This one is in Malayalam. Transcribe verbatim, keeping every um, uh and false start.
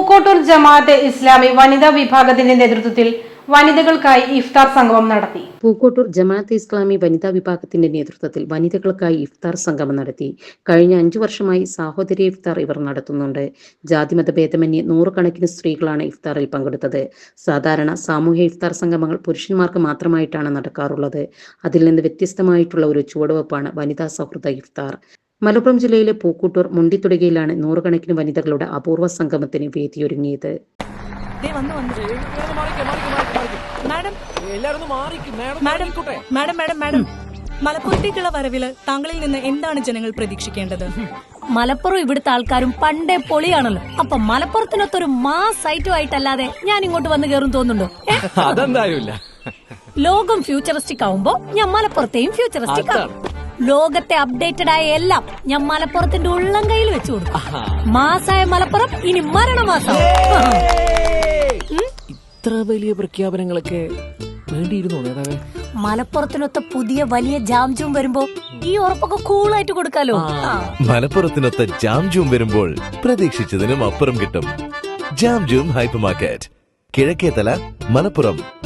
പൂക്കോട്ടൂർ ജമാഅത്തെ ഇസ്ലാമി വനിതാ വിഭാഗത്തിന്റെ നേതൃത്വത്തിൽ വനിതകൾക്കായി ഇഫ്താർ സംഗമം നടത്തി. പൂക്കോട്ടൂർ ജമാഅത്തെ ഇസ്ലാമി വനിതാ വിഭാഗത്തിന്റെ നേതൃത്വത്തിൽ വനിതകൾക്കായി ഇഫ്താർ സംഗമം നടത്തി. കഴിഞ്ഞ അഞ്ചു വർഷമായി സാഹോദര്യ ഇഫ്താർ ഇവർ നടത്തുന്നുണ്ട്. ജാതിമത ഭേദമന്യേ നൂറുകണക്കിന് സ്ത്രീകളാണ് ഇഫ്താറിൽ പങ്കെടുത്തത്. സാധാരണ സാമൂഹ്യ ഇഫ്താർ സംഗമങ്ങൾ പുരുഷന്മാർക്ക് മാത്രമായിട്ടാണ് നടക്കാറുള്ളത്. അതിൽ നിന്ന് വ്യത്യസ്തമായിട്ടുള്ള ഒരു ചുവടുവെപ്പാണ് വനിതാ സൗഹൃദ ഇഫ്താർ. മലപ്പുറം ജില്ലയിലെ പൂക്കോട്ടൂർ മുണ്ടിത്തുടകയിലാണ് നൂറുകണക്കിന് വനിതകളുടെ അപൂർവ സംഗമത്തിന് വേദിയൊരുങ്ങിയത്. മലപ്പുറത്തേക്കുള്ള വരവില് താങ്കളിൽ നിന്ന് എന്താണ് ജനങ്ങൾ പ്രതീക്ഷിക്കേണ്ടത്? മലപ്പുറം ഇവിടുത്തെ ആൾക്കാരും പണ്ടേ പൊളിയാണല്ലോ. അപ്പൊ മലപ്പുറത്തിനൊത്തൊരു മാസ് ഐറ്റം ആയിട്ടല്ലാതെ ഞാൻ ഇങ്ങോട്ട് വന്ന് കയറും തോന്നുന്നുണ്ടോ? ലോകം ഫ്യൂച്ചറിസ്റ്റിക് ആവുമ്പോ ഞാൻ മലപ്പുറത്തെയും ഫ്യൂച്ചറിസ്റ്റിക് ആവും. ലോകത്തെ അപ്ഡേറ്റഡ് ആയ എല്ലാം ഞാൻ മലപ്പുറത്തിന്റെ ഉള്ളം കയ്യിൽ വെച്ചു കൊടുക്കും. മാസായ മലപ്പുറം ഇനി മരണമാസം. ഇത്ര വലിയ പ്രഖ്യാപനങ്ങളൊക്കെ വേണ്ടിയിരുന്നു നേതാവേ. മലപ്പുറത്തിനൊത്ത പുതിയ വലിയ ജാംജൂം വരുമ്പോ ഈ ഉറപ്പൊക്കെ കൂളായിട്ട് കൊടുക്കാലോ. മലപ്പുറത്തിനൊത്ത ജാംജൂം വരുമ്പോൾ പ്രതീക്ഷിച്ചതിനും അപ്പുറം കിട്ടും. Jamjoom hyper market, Kizhakkethala, Malappuram.